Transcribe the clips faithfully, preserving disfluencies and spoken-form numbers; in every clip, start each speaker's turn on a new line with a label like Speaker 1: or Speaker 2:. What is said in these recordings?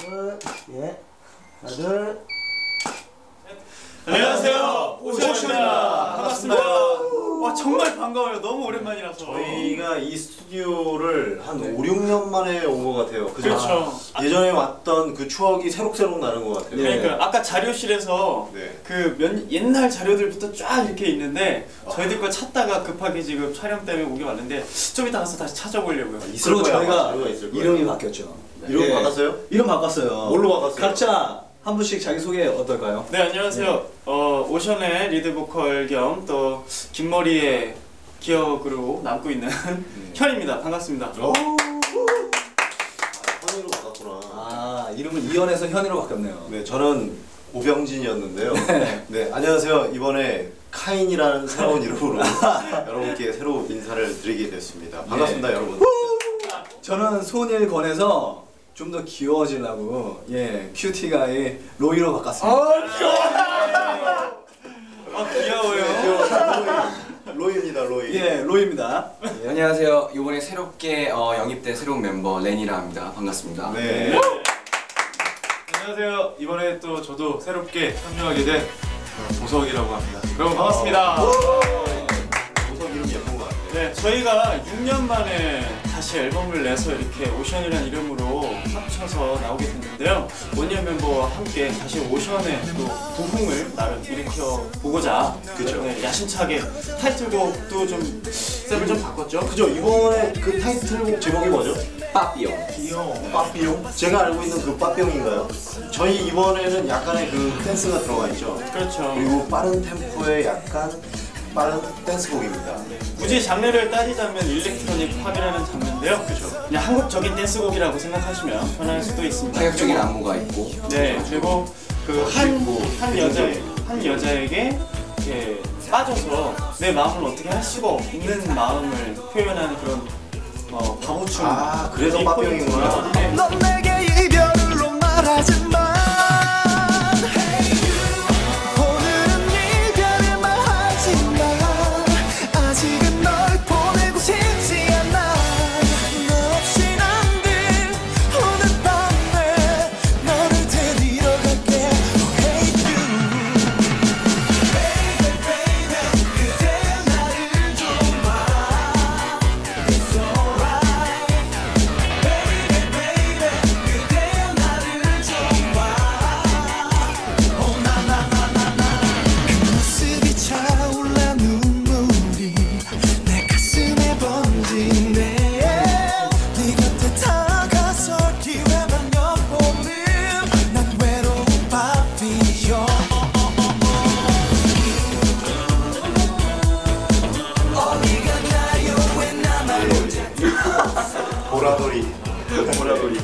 Speaker 1: 둘, 예. 하나, 둘.
Speaker 2: 안녕하세요. 오션입니다. 반갑습니다. 와 정말 반가워요. 너무 오랜만이라서.
Speaker 3: 저희가 이 스튜디오를 한 오, 육 년 만에 온 것 같아요. 그죠?
Speaker 2: 그렇죠.
Speaker 3: 아, 예전에 왔던 그 추억이 새록새록 나는 것 같아요.
Speaker 2: 그러니까 아까 자료실에서
Speaker 3: 네.
Speaker 2: 그 몇, 옛날 자료들부터 쫙 이렇게 있는데 저희들 거 찾다가 급하게 지금 촬영 때문에 오게 왔는데 좀 이따 가서 다시 찾아보려고요.
Speaker 3: 있을
Speaker 1: 그리고
Speaker 3: 거야,
Speaker 1: 저희가
Speaker 3: 자료가 있을 거예요.
Speaker 1: 이름이 바뀌었죠.
Speaker 3: 이름
Speaker 1: 예.
Speaker 3: 바꿨어요?
Speaker 1: 이름 바꿨어요.
Speaker 3: 뭘로 바꿨어요?
Speaker 1: 각자 한 분씩 자기 소개 어떨까요?
Speaker 2: 네 안녕하세요. 네. 어, 오션의 리드 보컬 겸 또 긴머리의 기억으로 남고 있는 네. 현입니다. 반갑습니다.
Speaker 3: 오. 아, 현이로 바꿨구나.
Speaker 1: 아 이름은 이현에서 현이로 바뀌었네요.
Speaker 3: 네, 저는 오병진이었는데요.
Speaker 1: 네.
Speaker 3: 네, 안녕하세요. 이번에 카인이라는 새로운 이름으로 여러분께 새로 인사를 드리게 됐습니다. 반갑습니다,
Speaker 1: 네.
Speaker 3: 여러분.
Speaker 1: 저는 손일 권에서 좀 더 귀여워지려고 예 큐티가의 로이로 바꿨습니다.
Speaker 3: 아, 귀여워.
Speaker 2: 아 귀여워요.
Speaker 3: 로이. 로이입니다, 로이.
Speaker 1: 예 로이입니다.
Speaker 4: 네, 안녕하세요. 이번에 새롭게 어, 영입된 새로운 멤버 레니라 합니다. 반갑습니다.
Speaker 3: 네.
Speaker 2: 네. 안녕하세요. 이번에 또 저도 새롭게 참여하게 된 보석이라고 합니다. 여러분 반갑습니다.
Speaker 3: 보석 이름 예쁜 것 같아요.
Speaker 2: 네, 저희가 육 년 만에 다시 앨범을 내서 이렇게 오션이라는 이름으로 합쳐서 나오게 됐는데요. 원년 멤버와 함께 다시 오션의 또 부흥을 나름 일으켜 보고자 그죠? 네, 야심차게 타이틀곡도 좀 셉을 좀 바꿨죠.
Speaker 3: 그죠? 이번에 그 타이틀곡 제목이 뭐죠?
Speaker 4: 빠삐용.
Speaker 3: 귀여워. 빠삐용? 제가 알고 있는 그 빠삐용인가요? 저희 이번에는 약간의 그 댄스가 들어가 있죠.
Speaker 2: 그렇죠.
Speaker 3: 그리고 빠른 템포의 약간 빠른 댄스곡입니다.
Speaker 2: 굳이 장르를 따지자면 일렉트로닉 팝이라는 장르인데요. 그죠? 그냥 한국적인 댄스곡이라고 생각하시면 편할 수도 있습니다.
Speaker 4: 파격적인 안무가 있고.
Speaker 2: 네, 그리고 그 한 한 여자 한 여자에게 이렇게 빠져서 내 마음을 어떻게 할 수가 없는 마음을 표현하는 그런 어, 바보춤.
Speaker 3: 아, 그래서 빠삐용이구나.
Speaker 2: 네.
Speaker 5: 넌 내게 이별로 말하지 마. 오늘은 이별을 말하지 마. 아직은 널 보내고 싶지 않아. 너 없인 안 돼. 오늘 밤에 너를 데리러 갈게. Oh hey you. Baby baby 그대 나를 좀 봐. It's alright. Baby baby 그대 나를 좀 봐. Oh na na na na na. 그 모습이 차올라 눈물이 내 가슴에 번지네. 네 곁에 다가설 기회만 엿보는 난 외로운 바비요. 어디가 가요 왜 나만 혼자.
Speaker 3: 보라돌이. 보라돌이.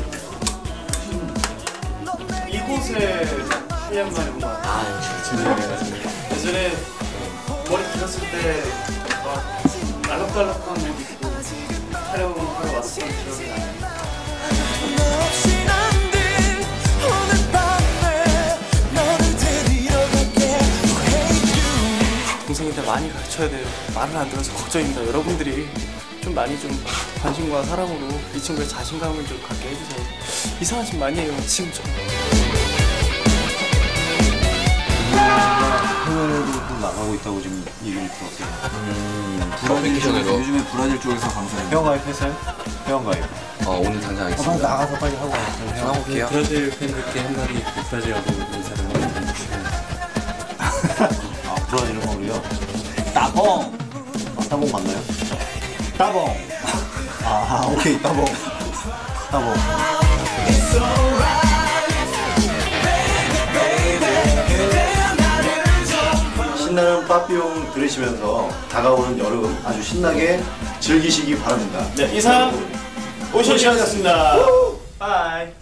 Speaker 2: 이곳에 일 년 만에 온 것 같아요.
Speaker 4: 아, 진짜
Speaker 2: 예전에 머리 길었을 때 막 알록달록한 옷 입고 촬영하러 왔었던 기억이 나요.
Speaker 5: 너 없인 안 돼. 오늘 밤에 너를 데리러 갈게. Oh hey you.
Speaker 2: 동생인데 많이 가르쳐야 돼요. 말을 안 들어서 걱정입니다. 여러분들이 좀 많이 좀 관심과 사랑으로 이 친구의 자신감을 좀 갖게 해주세요. 이상한 짓 많이 해요. 지금 좀.
Speaker 6: 해외로도 좀 나가고 있다고 지금 얘기를 들었어요.
Speaker 4: 음,
Speaker 6: 브라질 쪽에서
Speaker 4: 쪽에서
Speaker 6: 요즘에 브라질 쪽에서 방송해요.
Speaker 3: 회원가입 했어요? 회원가입.
Speaker 4: 어, 오늘 당장
Speaker 6: 빨리
Speaker 4: 하겠습니다.
Speaker 6: 나가서 빨리 하고 와요.
Speaker 4: 전화 올게요.
Speaker 7: 브라질 팬들께 한마디 브라질하고 인사를 한번 해주시면.
Speaker 6: 아 브라질 음악이요?
Speaker 1: 따봉
Speaker 3: 아, 따봉 맞나요?
Speaker 1: 따봉.
Speaker 3: 아, 오케이. 따봉. 따봉. 신나는 빠삐용 들으시면서 다가오는 여름 아주 신나게 즐기시기 바랍니다.
Speaker 2: 네, 이상 오션이었습니다. 바이.